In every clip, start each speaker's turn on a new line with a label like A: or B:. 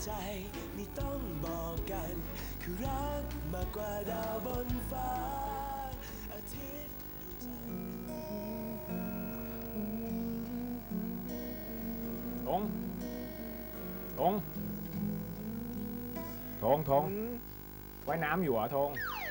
A: ใจไม่ต้องบอกกันคือรักมากกว่าดาวบนฟ้าอาทิตย์ดวงจันทร์
B: ธงว่ายน้ำอยู่เหรอธง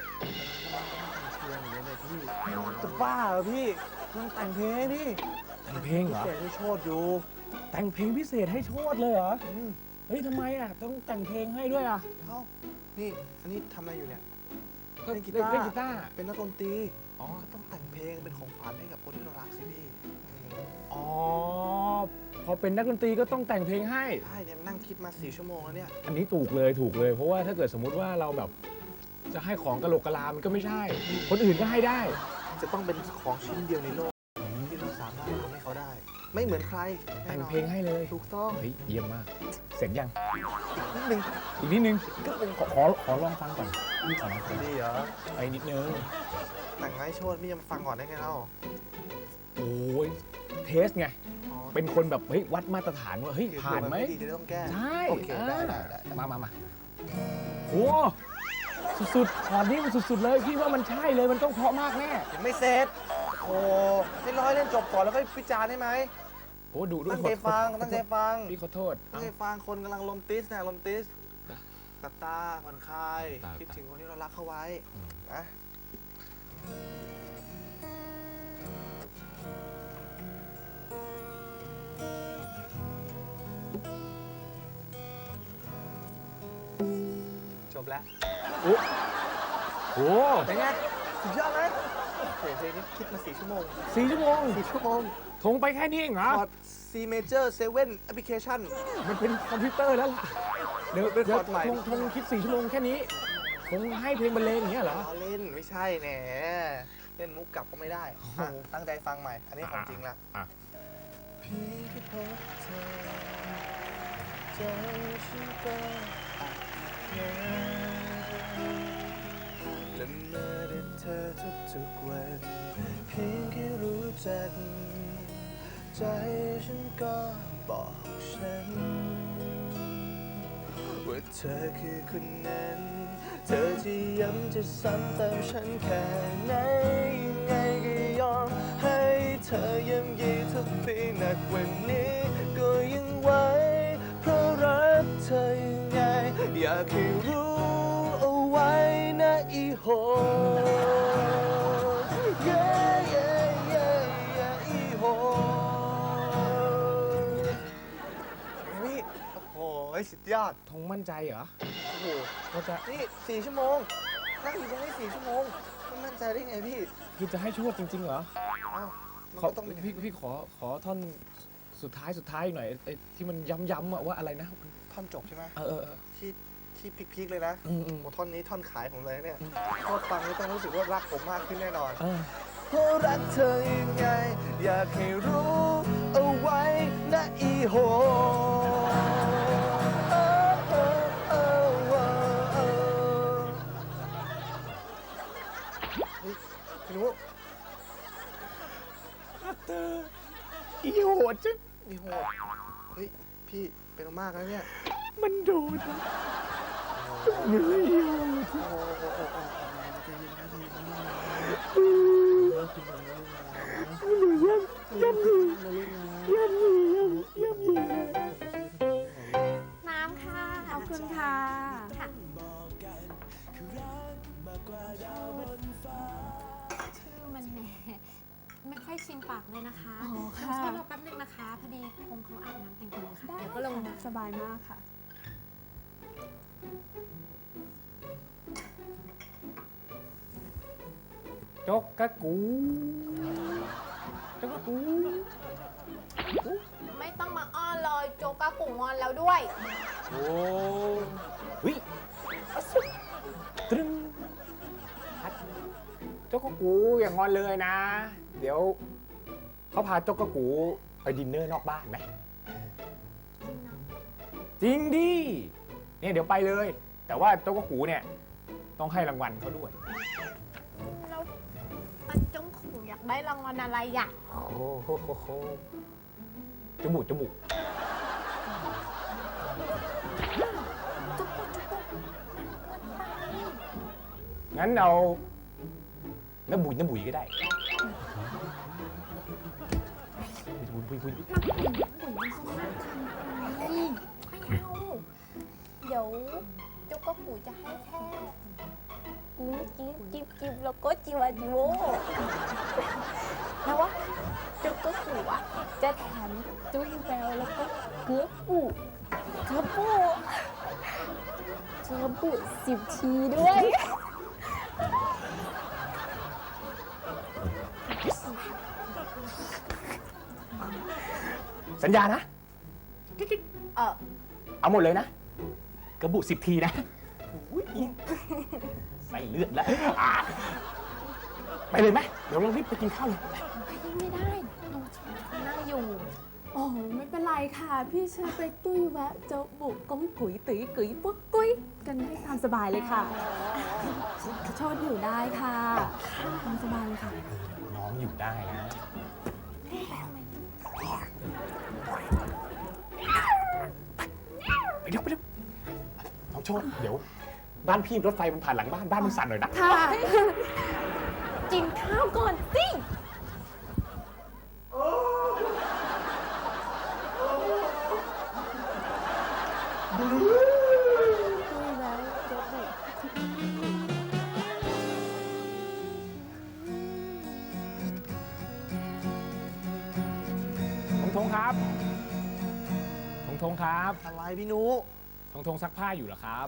C: จะบ้าเหรอพี่มันแต่งเพลงนี่
B: แต่งเพลงเหรอ
C: เสียงให้โชดอยู่
B: แต่งเพลงพิเศษให้โชดเลยเหรอเฮ้ยทำไมอ่ะต้องแต่งเพลงให้ด้วยอ่ะ
C: เอ้านี่อันนี้ทำอะไรอยู่เนี่ย
B: ก็
C: เล่นกี
B: เล่น
C: ตาร์
B: กีตาร์
C: เป็นนักดนตรี
B: อ๋อ
C: ก็ต้องแต่งเพลงเป็นของขวัญให้กับคนที่เรารักสิพี่
B: อ๋อพอเป็นนักดนตรีก็ต้องแต่งเพลงให้
C: ใช่เนี่ยนั่งคิดมา4 ชั่วโมงแล้วเนี่ย
B: อันนี้ถูกเลยเพราะว่าถ้าเกิดสมมุติว่าเราแบบจะให้ของกะโหลกกะลามันก็ไม่ใช่ คนอื่นก็ให้ได้
C: จะต้องเป็นของชิ้นเดียวในโลกที่เราสามารถทำให้เขาได้ ไม่เหมือนใคร
B: แต่งเพลงให้เลย
C: ถูกต้อง
B: เฮ้ยเยี่ยมมาก เสร็จยัง
C: นิดนึง
B: อีกนิดนึงขอลองฟังก่อนนี่ก่อนนะ
C: ดีเหรอ
B: ไปนิดนึง
C: แต่งให้โชดพี่จะมาฟังก่อนได้ไงเล่า
B: โอ้ยเทสไง
C: อ๋อ
B: เป็นคนแบบเฮ้ยวัดมาตรฐานว่าเฮ้ยผ่านไหม
C: ดีจะต้องแก้
B: ใช่
C: โอเคได้
B: มาโอ้สุดๆพอนี้มันสุดๆเลยพี่ว่ามันใช่เลยมันต้องเพราะมากแน่
C: ยังไม่เสร็จโอ้ให้ร้อยเล่นจบก่อนแล้วก็วิจารณ์ได้ไหม
B: โอ้ดูด้วย
C: ตั้งใจฟังตั้งใจฟัง
B: พี่ขอโทษ
C: ตั้งใจฟังคนกำลังลมติสนะลมติสกับตาผ่อนคลาย
B: ตา
C: คิดถึงคนที่เรารักเข้าไว้นะจบแล้ว
B: โอ้โห
C: เป็นไงสุดยอดไหมโอ้โหเพลงนี้คิดมา4 ชั่วโมง
B: 4 ชั่วโมง
C: 4 ชั่วโมง
B: ทงไปแค่นี้เองเหรอ
C: คอร์ด C major 7 application
B: มันเป็นคอมพิวเตอร์แล้วล่ะเดี๋ยว
C: เป็นคอร์ดใหม่
B: ทงคิด4 ชั่วโมงแค่นี้คงให้เพลงบรรเลงอย่างเงี้ยเหรอ
C: ล้อเล่นไม่ใช่แหนเล่นมุกกลับก็ไม่ได้อ่ะตั้งใจฟังใหม่ อันนี้ของจริงละ
B: อ่ะ
C: พี่ที่พบเธอใจฉันก็อักแน่และเมื่อได้เธอทุกๆวันเพียงแค่รู้จักใจฉันก็บอกฉันว่าเธอคือคนนั้น เธอจะย้ำจะซ้ำเติมฉันแค่ไหนยังไงก็ยอมให้เธอย้ำยีทุกปีหนักวันนี้ก็ยังไหวเพราะรักเธอยังไงอยากให้รู้เอาไว้นะอีโหเย้เย้เย้เย้อีโหนี่โอ้โหสุดยอด
B: ทงมั่นใจเหรอ
C: โอ้โห
B: ว่าจะ
C: นี่4 ชั่วโมง นั่งอยู่ตรงนี้4 ชั่วโมงไม่มั่นใจได้ไงพี่
B: พี่จะให้โชดจริงๆเหรอ
C: อ้าวมัน
B: ขอ
C: ก็ต้องเป็น
B: พี่ขอท่อนสุดท้ายหน่อยไอ้ที่มันย้ำๆอะว่าอะไรนะ
C: ท่อนจบใช่ไหม
B: เออ
C: ที่พีคๆเลยนะ
B: อืม
C: โอ้ท่อนนี้ท่อนขายผมเลยเนี่ยพอฟังแล้วต้องรู้สึกว่ารักผมมากขึ้นแน่นอน
B: เออ
C: เพราะรักเธอยังไง อยากให้รู้เอาไว้นะอีโหเฮ้ยพี่นุ๊ก
B: เธออีโหดจัง
C: มีโหดเฮ้ย พี่เป็นมากแล้วเนี่ย
B: มันโดนมันไม่อีโหด
D: น้ำค่ะ ขอบคุณค่ะ ค่ะ ชื่อมันแหมไม่ค่อยชินปากเลยนะคะ
E: อ๋อค่ะ
D: ช่วยรอแป๊บนึงนะคะ พอดีคงเขาอาบน้ำแต่งตัวค่ะ เดี๋ยวก็ลงมา
E: สบายมากค่ะ
B: จกกะกูจกกะกู
D: ไม่ต้องมาอ้อนเลยโจกากุ่งงอนแล้วด้วย
B: โอ้วิตรึงจกกะกูอย่างงอนเลยนะ เดี๋ยวเขาพาจกกะกูไปดินเนอร์นอกบ้านไหมจริงดิเนี่ยเดี๋ยวไปเลย แต่ว่าจกกะกูเนี่ยต้องให้รางวัลเขาด้วย
D: แล้วปันจงขุ่งอยากได้รางวัลอะไรอ่ะ
B: โอ้โหจมูกงั้นเอาน้ำบุ๋ยก็ได้บุ๋ย
D: ปุ๋ยมันก็มากเกินไปไม่เอาเดี๋ยวเจ้าก็ปู่จะให้แค่กุ้งจิ๊บแล้วก็จิวาจิโวแล้วว่าเจ้าก็ปู่อ่ะจะแถมจุ้ยแววแล้วก็เกลือปู่10 ทีด้วย
B: สัญญานะ เอาหมดเลยนะ กระบุ10 ทีนะอุ๊ยใส่เลือดแล้วไปเลยไหมเดี๋ยวเรารีบไปกินข้าวเลย
D: ไม่ได้เรานั่งอยู่
E: โอ้ไม่เป็นไรค่ะ พี่เชิญไปตุ้ยแวะเจ้าบุกก้มกุ๋ยตุ๋ยกุ๋ยปุ๊กกุ้ยกันให้ตามสบายเลยค่ะโชดอยู่ได้ค่ะตามสบายเลยค่ะ
B: น้องอยู่ได้นะไปเร็วน้องโชดเดี๋ยว บ้านพี่รถไฟมันผ่านหลังบ้านมันสั่นหน่อยนะ
E: ค่ะ
D: กินข้าวก่อนสิ
B: ทงครับทงครับ
C: อะไรพี่นุ
B: ทงซักผ้าอยู่เหรอครับ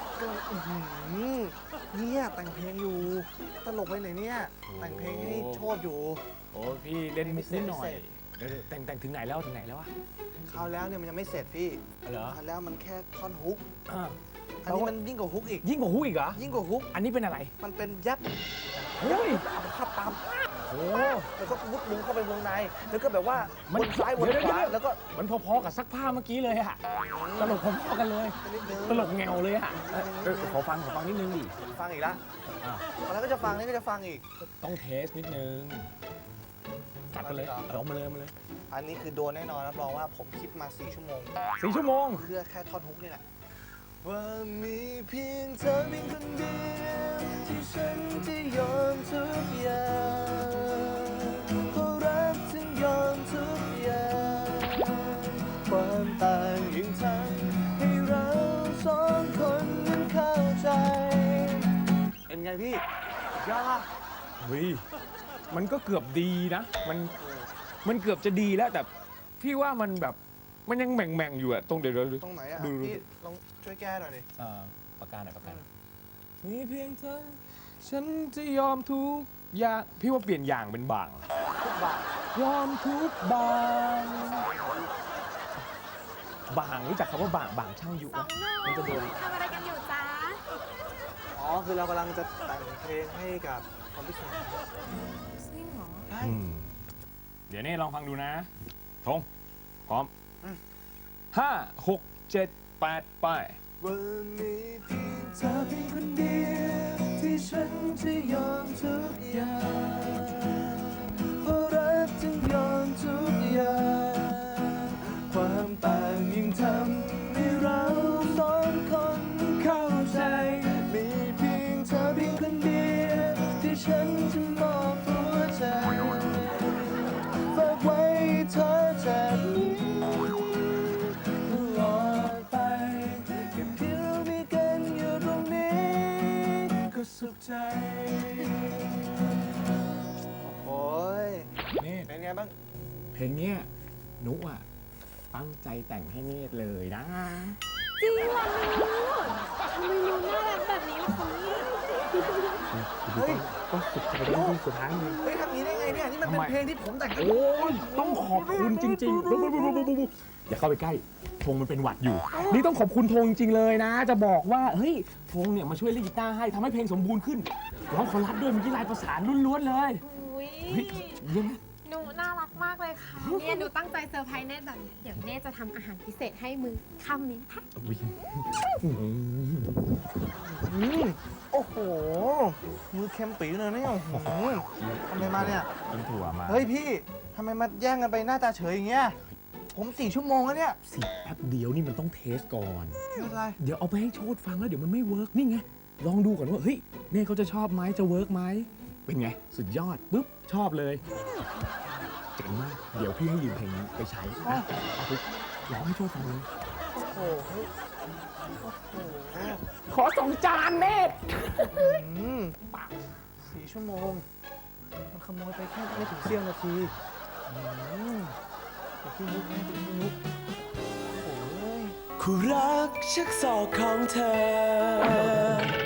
C: เนี่ยแต่งเพลงอยู่ ตลกไปไหนเนี่ย แต่งเพลงให้โชดอยู่
B: โอ้พี่เล่นมุกนิดหน่อ
C: ไม่
B: ย
C: เสร็จ
B: เดี๋ยวแต่งถึงไหนแล้ววะ
C: คราวแล้วเนี่ยมันยังไม่เสร็จพี่
B: เหรอ
C: คราวแล้วมันแค่ท่อนฮุก
B: อ่า
C: อันนี้มันยิ่งกว่าฮุกอีก
B: ยิ่งกว่าฮู้อีกเหรอ
C: ยิ่งกว่าฮุก
B: อันนี้เป็นอะไร
C: มันเป็นยับ
B: เฮ้ย
C: เอาขับตาม
B: โอ้
C: แล้วก็มุดมุงเข้าไปวงใน แล้วก็แบบว่า
B: มัน
C: วนซ้ายวนขวา
B: เดี๋ยว
C: แล้วก็
B: มันพอๆกับซักผ้าเมื่อกี้เลยอะตลกพอๆกันเลย
C: นิดนึง
B: ตลกแงวเลยอะขอฟังนิดนึงดิ
C: ฟังอีกแล้ว
B: อ่ะ
C: แล้วก็จะฟังนี่ก็จะฟังอีก
B: ต้องเทสนิดนึงจัดกันเลยเอามาเลย
C: อันนี้คือโดนแน่นอนรับรองว่าผมคิดมา4 ชั่วโมง
B: 4 ชั่วโมง
C: เพื่อแค่ท่อนฮุกนี่แหละว่ามีเพียงเธอเพียงคนเดียวที่ฉันจะยอมทุกอย่างเพราะรักถึงยอมทุกอย่างความต่างยังทำให้เราสองคนนั้นเข้าใจเป็นไงพี่ยอดป่ะ
B: เฮ้ยมันก็เกือบดีนะ มันเกือบจะดีแล้วแต่พี่ว่ามันแบบมันยังแหม่งอยู่อะตรงเดี๋ยว
C: ตรงไหนอ่ะ
B: ดู
C: พี่ลองช่วยแก้หน่อยดิ
B: ประการมีเพียงเธอฉันจะยอมทุกอย่างพี่ว่าเปลี่ยนอย่างเป็นบาง
C: ทุกบาท
B: ยอมทุกบางรู้จักคำว่าบางช่างอยู่
D: สอง
B: นะ
D: หนุ่
B: มันจะโดน
D: มทำอะไรกันอยู่จ๊ะ
C: อ๋อคือเรากำลังจะแต่งเพลงให้กับความพิเศษ
D: จริงเหรอ
C: ใช่
B: เดี๋ยวนี่ลองฟังดูนะทงพร้อม
C: อืม
B: 5 6 7 8 ไป
C: ว่ามีเพียงเธอเพียงคนเดียวที่ฉันจะยอมทุกอย่างเพราะรักจึงยอมทุกอย่างความต่างยิ่งทำให้เราสองคนเข้าใจมีเพียงเธอเพียงคนเดียวที่ฉันจะมอบหัวใจฝากไว้เธอจากนี้ตลอดไปแค่เพียงเรามีกันอยู่ตรงนี้ก็สุขใจโอ้ย
B: นี่
C: เป็นไงบ้าง
B: เพลงเนี้ยนุอ่ะตั้งใจแต่งให้เนตรเลยนะ
D: จริงเหรอหนูทำไมหนูน่ารักแบบนี้ล่ะคะเนี่ย
C: เฮ้ย
B: ต้องสุดใจได้ที่สุดท้ายเลย
C: เฮ้ยทำอย่างนี้ได้ไงเนี่ย นี่มันเป็น
B: ทำไม
C: เพลงที่ผมแต่ง
B: โอ้ยต้องขอบคุณจริงๆอย่าเข้าไปใกล้ธงมันเป็นหวัดอยู่ นี่ต้องขอบคุณธงจริงๆเลยนะ จะบอกว่าเฮ้ยธงเนี่ยมาช่วยเล่นกีตาร์ให้ทำให้เพลงสมบูรณ์ขึ้นร้องคอรัสด้วยเมื่อกี้ลายประสานล้วนๆเลย
D: อุ้ย
B: เฮ้ยเยี่ยม
D: หนูน่ารักมากเลยค่ะเนี่ยหนูตั้งใจเซอร์ไพรส์เนตแบบเนี้ยเดี๋ยวเนตจะทำอาหารพิเศษให้มือค่ำนี้นะคะ
C: โอ้โห มือเค็มปีเลยเนี่ยโอ้โหทำไมมาเนี่ย
B: กินถั่วมา
C: เฮ้ยพี่ ทำไมมาแย่งกันไปหน้าตาเฉยอย่างเงี้ย ผม4 ชั่วโมงแล้วเนี่ย
B: สิแป๊บเดียวนี่มันต้องเทสก่อน
C: ไม่เป็นไร
B: เดี๋ยวเอาไปให้โชดฟังแล้วเดี๋ยวมันไม่เวิร์กนี่ไงลองดูก่อนว่าเฮ้ยเนตเขาจะชอบไหมจะเวิร์กไหมเป็นไงสุดยอดปุ๊บชอบเลยเจ๋งมากเดี๋ยวพี่ให้ยืมเพลงนี้ไปใช้นะเอาไปร้องให้ช่วยฟังเลย
C: โอ้โหเฮ้ยโอ้โห
B: ขอ2 จานเนต
C: 4 ชั่วโมง มันขโมยไปแค่ไม่ถึงเสี้ยวนาทีแต่พี่นุ๊กไม่ถึงพี่นุ๊กโอ้ย
A: คู่รักชักศอกของเธอ